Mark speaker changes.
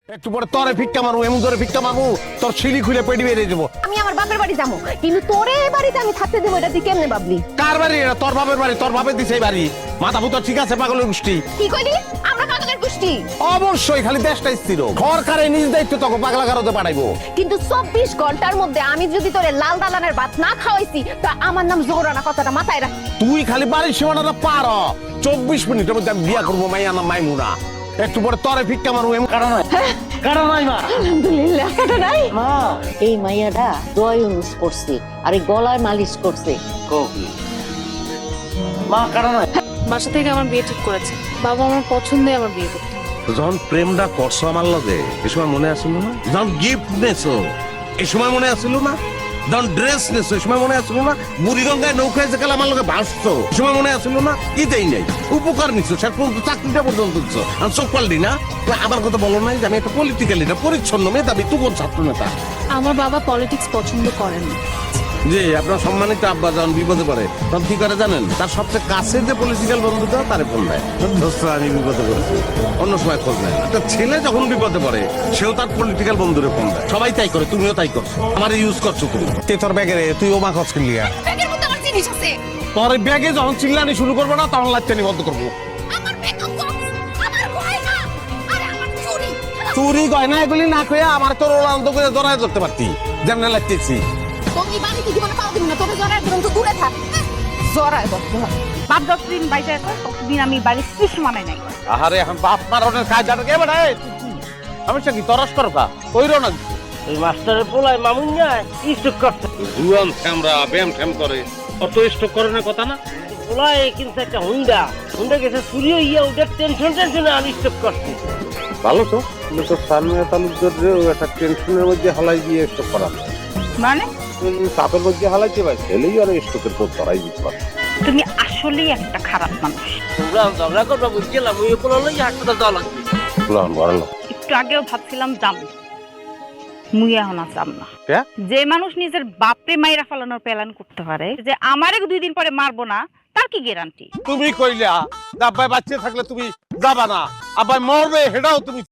Speaker 1: একটু পরে তরে ভিক্ষা মারু, এমন করে ভিক্ষা মারু তোর সিঁড়ি খুলে পেটি বেরিয়ে দেবো।
Speaker 2: আমি আমার বাপের বাড়ি যাবো, কিন্তু তোরে এই বাড়িতে আমি থাকতে দেবো, এটা তুই কেমনে ভাবলি?
Speaker 1: কার বাড়ি এটা? তোর বাপের বাড়ি, তোর বাপের দিছে এই বাড়ি। মাথা ভূত ঠিক আছে পাগলের গোষ্ঠী?
Speaker 2: কি কইলি? আমরা পাগলের গোষ্ঠী?
Speaker 1: অবশ্যই, খালি দেশটা স্থির ঘর কারে নিজ দায়িত্ব তোকে পাগলা কারোতে পাঠাইবো।
Speaker 2: কিন্তু 24 ঘন্টার মধ্যে আমি যদি তোরে লাল দালানের ভাত না খাওয়াইছি, তা আমার নাম জোহরানা, কথাটা মাথায় রাখ।
Speaker 1: তুই খালি বাড়ির সীমানাটা পার হ। 24 মিনিটের মধ্যে আমি বিয়া করবো মাইয়া না মাইমুনা। একটু পরে তরে ভিক্ষা মারু, এমন
Speaker 3: কারণ নাই মা,
Speaker 2: আলহামদুলিল্লাহ, কাটা নাই।
Speaker 4: মা এই মাইয়াটা দোয়া ইউজ করছে আর এই গলায় মালিশ করছে।
Speaker 3: মা কারণ নাই।
Speaker 5: বাসা থেকে আমার বিয়ে ঠিক করেছে, বাবা আমার পছন্দে আমার বিয়ে করতে।
Speaker 1: যখন প্রেমটা করছো আমার লগে এই সময় মনে আসিল না? যখন গিফট নেছো এই সময় মনে আসিল না? যখন ড্রেস নেছো এই সময় মনে আসিল না? বুড়িগঙ্গায় নৌকায় যে কাল আমার লগে ভাসছো এই সময় মনে আসিল না? ইতেই নাই উপকার নিচ্ছ, শেষ পর্যন্ত চাকরিটা পর্যন্ত দিচ্ছ। আর চোখ পাল্টি না? আমার কথা বলো নাই যে আমি একটা পলিটিক্যাল লিডার, পরিচ্ছন্ন মেধাবী, তুই ছাত্র নেতা।
Speaker 5: আমার বাবা পলিটিক্স পছন্দ করেন না।
Speaker 1: যে আপনার সম্মানিত আব্বা যখন বিপদে পড়ে তখন কি করে জানেন? তার সবচেয়ে কাছের যে পলিটিক্যাল বন্ধুটা তারে ফোন দেয়, দোস্ত আমি বিপদে পড়েছি। অন্য সময় খোঁজ নেয় না। একটা ছেলে যখন বিপদে পড়ে সেও তার পলিটিক্যাল বন্ধুরে ফোন দেয়। সবাই তাই করে, তুমিও তাই করছো। আমার ইউজ করছো তুমি। তে তোর ব্যাগে রে, তুই ওমা খরচ কিনলিয়া।
Speaker 2: ব্যাগের মধ্যে আমার জিনিস আছে।
Speaker 1: তোর ব্যাগে যখন চিল্লানি শুরু করবো না তখন লাইটানি বন্ধ করবো।
Speaker 2: আমার মেকআপ বক্স, আমার গয়না, আরে আমার চুড়ি।
Speaker 1: চুরি গয়না এগুলি না কয়ে আমার তোর ওলান্ত করে জড়ায় ধরতে পারতি, যেমন লাগতেছি।
Speaker 2: তুমি বাড়িতে জীবনে পাও দিবি না, তোকে জড়ায় ধরুন তো দূরে থাক। জড়ায় ধরতে হয়।
Speaker 6: বাপ যতদিন বাইরে আছে ততদিন আমি বাড়ির শিশ মানাই নাই।
Speaker 1: আহারে এখন বাপ মারনের কায়দাটা কে বেড়ায়? আমি সে কি তরস করো কা কইরো না?
Speaker 3: ওই মাস্টারের পোলায় মামুনিয়ায় স্টক করছে।
Speaker 1: জুয়ান শ্যামরা ব্যায়াম ঠ্যাম করে, অত স্টক করে না কথা না।
Speaker 3: পোলায় কিন্তু একটা হুন্ডা গেছে চুরি হইয়া ওদের টেনশনে আনস্টক করছে।
Speaker 1: ভালো তো, কিন্তু তোর সালমিয়া তালুকদারেও একটা টেনশনের মধ্যে হালাই দিয়ে স্টক করা,
Speaker 6: মানে
Speaker 1: চাপের মধ্যে হালাইতে পারে, ছেলেই আর স্টকের পর ধরাই দিতে পারে।
Speaker 6: তুমি আসলেই একটা খারাপ মানুষ।
Speaker 3: তোমরা ঝগড়া করবা বুঝছিলাম, ওই পোলা লই হাসপাতাল যাওয়া লাগবে।
Speaker 1: বড়
Speaker 6: একটু আগেও ভাবছিলাম যাম, মুই এখন আর যাম না।
Speaker 1: কে?
Speaker 6: যে মানুষ নিজের বাপরে মাইরা ফেলানোর প্ল্যান করতে পারে, যে আমারে 2 দিন পরে মারবো না, তার কি গ্যারান্টি?
Speaker 1: তুমি কইলা আব্বাই বাচ্চা থাকলে তুমি যাবা না, আব্বাই মরবে সেটাও তুমি